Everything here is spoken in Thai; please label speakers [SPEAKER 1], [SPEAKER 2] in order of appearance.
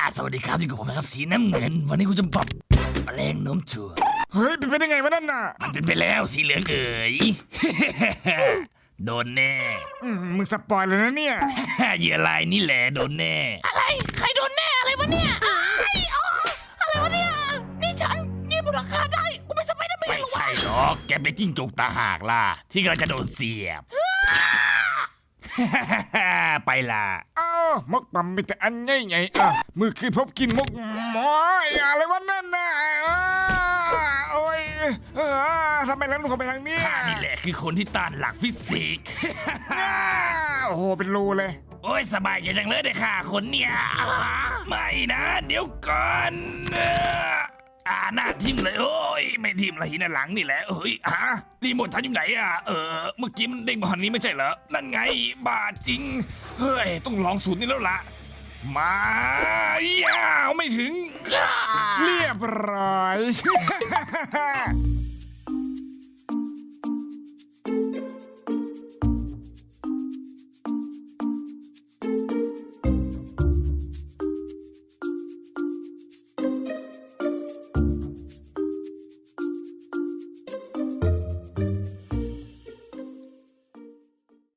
[SPEAKER 1] สวัสดีครับที่กับผมนะครับสีน้ำเงินวันนี้กูจะปรับแรงโน้มถ่วง
[SPEAKER 2] เฮ้ยเป็นไปได้ไงวะนั่นน่ะ
[SPEAKER 1] มันเป็นไปแล้วสีเหลืองเอ๋ย โดนแน่
[SPEAKER 2] มึงสปอยเลยนะเนี่ย
[SPEAKER 1] เหยื่อลายนี่แหละโดนแน่
[SPEAKER 3] อะไรใครโดนแน่อะไรวะเนี่ยอะไรวะเนี่ยนี่ฉันนี่มูลค่าได้กูไม่สไปเดอร์แม
[SPEAKER 1] ไม่
[SPEAKER 3] นหรอวะ
[SPEAKER 1] ใช่หรอกแกเป็นจิ้งจกตาหากล่ะที่กำลังจะโดนเสียบ ไปล่ะ
[SPEAKER 2] อ้าวมกปั๊มมีแต่อันใหญ่ๆมือคือพบกินมกหมอยอะไรวะนั่นน่ะโอ้ยทำไมแล้วลูกเขาไปทางนี้
[SPEAKER 1] ข้านี่แหละคือคนที่ต้านหลักฟิสิกส์
[SPEAKER 2] โอ้โหเป็นรูเลย
[SPEAKER 1] โอ้ยสบายใจจังเลยได้ค่ะคนเนี่ยไม่นะเดี๋ยวก่อนหน้าทิมเลยโอ้ยไม่ทิมละหินหลังนี่แหละเฮ้ยรีโมททันอยู่ไหนเมื่อกี้มันเด้งมาหันนี้ไม่ใช่เหรอนั่นไงบาจริงเฮ้ยต้องลองสูตรนี้แล้วล่ะมายาวไม่ถึง
[SPEAKER 2] เรียบร้อย